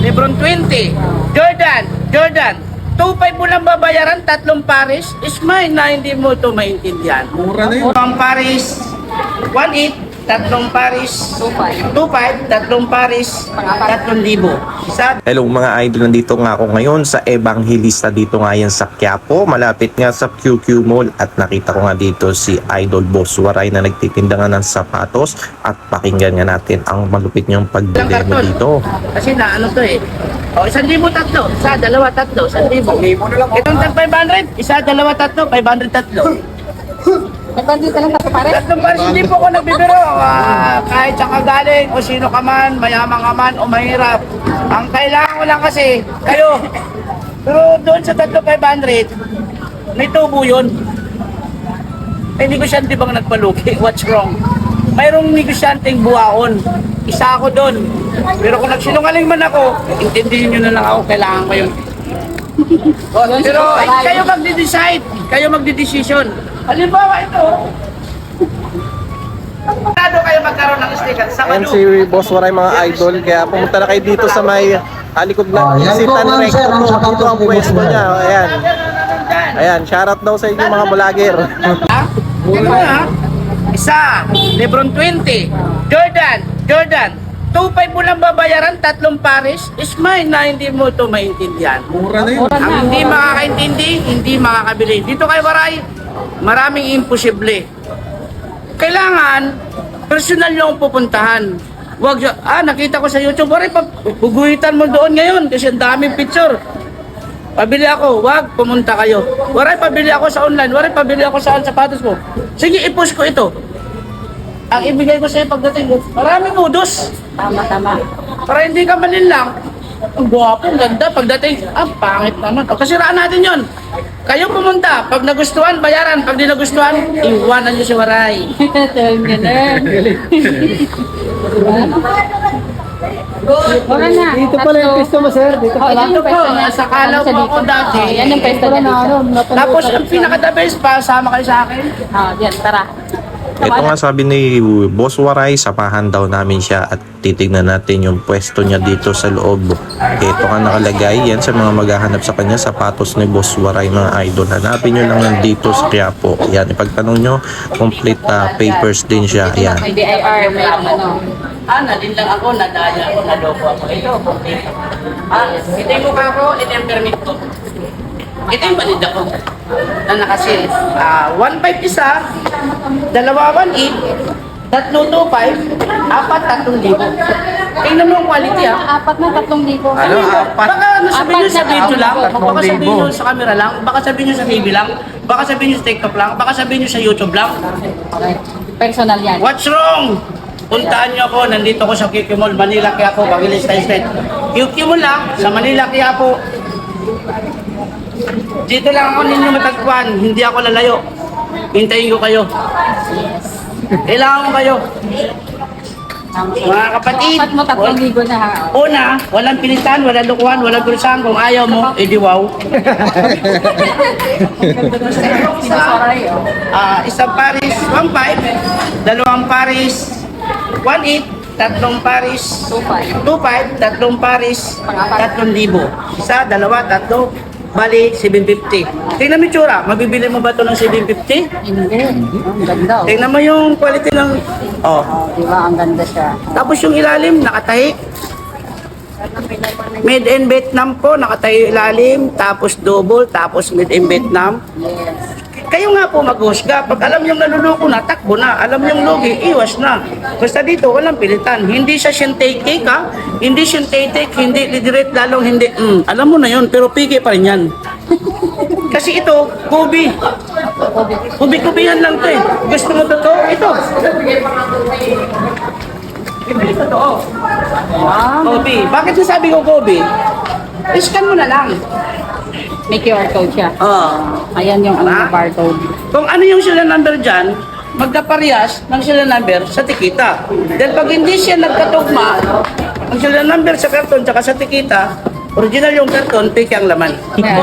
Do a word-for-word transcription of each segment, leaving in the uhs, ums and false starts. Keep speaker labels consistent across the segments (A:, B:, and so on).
A: Lebron twenty. Jordan, Jordan. two five mo lang babayaran, tatlong Paris. Is mine na hindi mo ito maintindihan.
B: Mura na yun.
A: Ang Paris, one eight. Tatlong Paris, two five. Tatlong Paris, tatlong libo. Isa.
C: Hello mga idol, nandito nga ako ngayon sa Evangelista dito nga yan sa Quiapo, malapit nga sa Q Q Mall, at nakita ko nga dito si Idol Boss Waray na nagtitinda nga ng sapatos, at pakinggan nga natin ang malupit niyang pagdemo dito.
A: Kasi na ano to eh. O, isang libo tatlo. Isa, dalawa, tatlo. Isang libo. Itong tag five hundred. Isa, dalawa, tatlo. five hundred tatlo.
D: Nagkandito lang sa pare?
A: Tatlong Paris, hindi po ko nagbibiro. Ah, kahit saan ka galing, o sino ka man, mayaman ka man, o mahirap. Ang kailangan ko lang kasi, kayo. Pero doon sa tatlo five hundred, may tubo yun. Eh, negosyante bang nagpalugi? What's wrong? Mayroong negosyanteng buwaon. Isa ako doon. Pero kung nagsinungaling man ako, intindihin nyo na lang ako, kailangan ko yun. Pero eh, kayo magde-decide, kayo magde-decision. Halimbawa ito, Sigurado kayo magkaroon ng sticker sa
C: Ayan
A: Manu.
C: si Boss Waray mga idol, kaya pumunta na kayo dito sa may halikod na isitan ng recto po. Dito ang pwesto niya. Ayan. Ayan, shoutout daw sa inyo mga vlogger.
A: Ha? Ito ha? Isa, Lebron twenty. Jordan, Jordan. two five mo lang babayaran, tatlong Paris. Is mine na hindi mo ito maintindihan.
B: Mura na yun.
A: Ang hindi makakaintindi, hindi makakabili. Dito kay Waray, maraming imposible. Kailangan, personal yung pupuntahan. Wag, ah, nakita ko sa YouTube, Waray, puguhitan mo doon ngayon kasi ang daming picture. Pabili ako, wag, pumunta kayo. Waray, pabili ako sa online. Waray, pabili ako saan sapatos mo. Sige, i-post ko ito. Ang ibigay ko sa'yo pagdating mo, maraming udos.
D: Tama, tama.
A: Para hindi ka manilang. Ang gwapo, ang ganda. Pagdating, ah, pangit naman. O, kasiraan natin yon. Kayo pumunta. Pag nagustuhan, bayaran. Pag di nagustuhan, iwanan nyo si Waray.
D: Tell me na. Wala na.
E: Dito pala yung pwesto mo, sir. Dito
D: Oh,
E: pala.
D: ito yung
A: Ito po,
D: pwesto niya.
A: sa kalaw po ako dati.
D: Oh, yan yung pwesto
E: Wala
D: niya
E: na,
D: dito.
E: ano, napanood
A: Tapos,
E: ka.
A: ang pinaka-the best pa, sama kayo sa akin.
D: Oh, yan, tara.
C: Ito nga sabi ni Boss Waray, sapahan daw namin siya at titignan natin yung pwesto niya dito sa loob. Ito nga nakalagay, yan sa mga maghahanap sa kanya, sapatos ni Boss Waray mga idol. Hanapin nyo lang nandito sa Quiapo. Yan, ipagtanong nyo, complete uh, papers din siya. Yan.
D: May D I R, may ano.
A: Ah, nadin lang ako, nadaya ako, nadoko ako. Ito, complete. Ah, ito yung mukha ko, ito yung permit ko. Ito yung balid ako. Na nakasil. Ah, one five isa, dalawa one eight, tatlo two five, apat tatlong libo. Tingnan mo ang quality ah.
D: Apat na, tatlong libo.
A: Ano, apat? Baka ano sabihin nyo sa
D: Apat na,
A: video lang,
D: tatlong
A: baka sabihin nyo sa camera lang, baka sabihin nyo sa T V lang, baka sabihin nyo sa TikTok lang, baka sabihin nyo sa YouTube lang.
D: Okay. Personal yan.
A: What's wrong? Puntaan nyo ako, nandito ko sa Q Q Mall, Manila, Quiapo, Bagilis, Street. Q Q Mall lang, sa Manila, Quiapo. Dito lang ako ninyo matagpuan, hindi ako lalayo. Hintayin ko kayo. Kailangan ko kayo. Mga kapatid,
D: Apat mo, tatlong libo na ha.
A: una, walang pilitan, walang lukuhan, walang kulisan. Kung ayaw mo, edi wow.
D: Sorry, oh.
A: Ah, isang Paris, one five, dalawang Paris, one eight, tatlong Paris,
D: two five.
A: two five, tatlong Paris, tatlong libo. Isa, dalawa, tatlo, bali, seven fifty. Tingnan mo yung tsura, mabibili mo ba ito ng seven fifty?
D: Hindi. Ang ganda, oh.
A: Tingnan mo yung quality ng... Oh.
D: Oh, di ba? Ang ganda siya.
A: Tapos yung ilalim, nakatahi. Made in Vietnam po, nakatahi yung ilalim, tapos double, tapos made in Vietnam.
D: Yes.
A: Kayo nga po maghusga. Pag alam yung naluloko na, takbo na. Alam yung lugi, iwas na. Basta dito, walang pilitan. Hindi siya synthetic, ha? Hindi synthetic, hindi lidirate, lalong hindi. Mm, alam mo na yun, pero pigi pa rin yan. Kasi ito, kubi. Kubi-kubihan lang to eh. Gusto mo totoo? Ito. Ito totoo. Kobe. Bakit nasabi ko Kobe? Iscan mo na lang.
D: May Q R code siya.
A: Oh.
D: Ayan yung ano,
A: Ah.
D: barcode.
A: Kung ano yung serial number dyan, magkaparehas ng serial number sa tikita. Dahil pag hindi siya nagkatugma, ang serial number sa karton tsaka sa tikita, original yung karton, fake ang laman.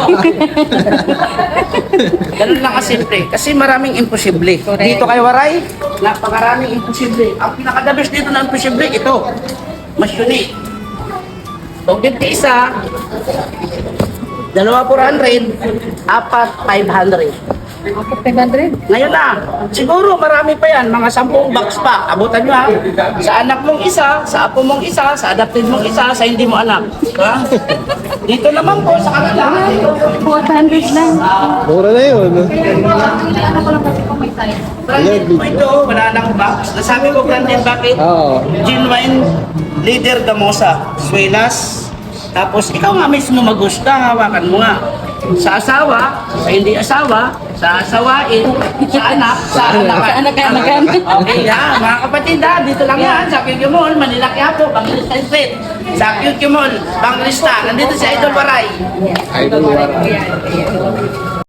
A: Ganun lang kasimple. Kasi maraming imposible.
D: Correct.
A: Dito kay Waray, napakaraming imposible. Ang pinaka-the best dito na imposible, ito. Mas unique. Kung fifty isa, dalawa four hundred, apat five hundred.
D: Ako, five hundred.
A: Ngayon na, siguro marami pa yan, mga sampung box pa. Abutan nyo ha. Sa anak mong isa, sa apo mong isa, sa adopted mong isa, sa hindi mo anak. Ha? Dito naman po, sa kanila.
D: four hundred lang.
E: Mura na yun.
D: Ano ko lang kasi kung may tayo.
A: Branded po ito, wala nang box. Nasabi ko branded bakit?
E: Oo.
A: Genuine Leader Gamosa, Suelas. Tapos ikaw nga mismo magusta, hawakan mo nga. Sa asawa, sa hindi asawa, sa asawain, sa anak, sa anakan.
D: Sa anak-anakan.
A: Okay ha, mga kapatid ha, dito lang yan, sa Q Q Mall, Manila Quiapo, Banglista Street. Sa Q Q Mall, Banglista, nandito si Idol Waray.
E: Idol.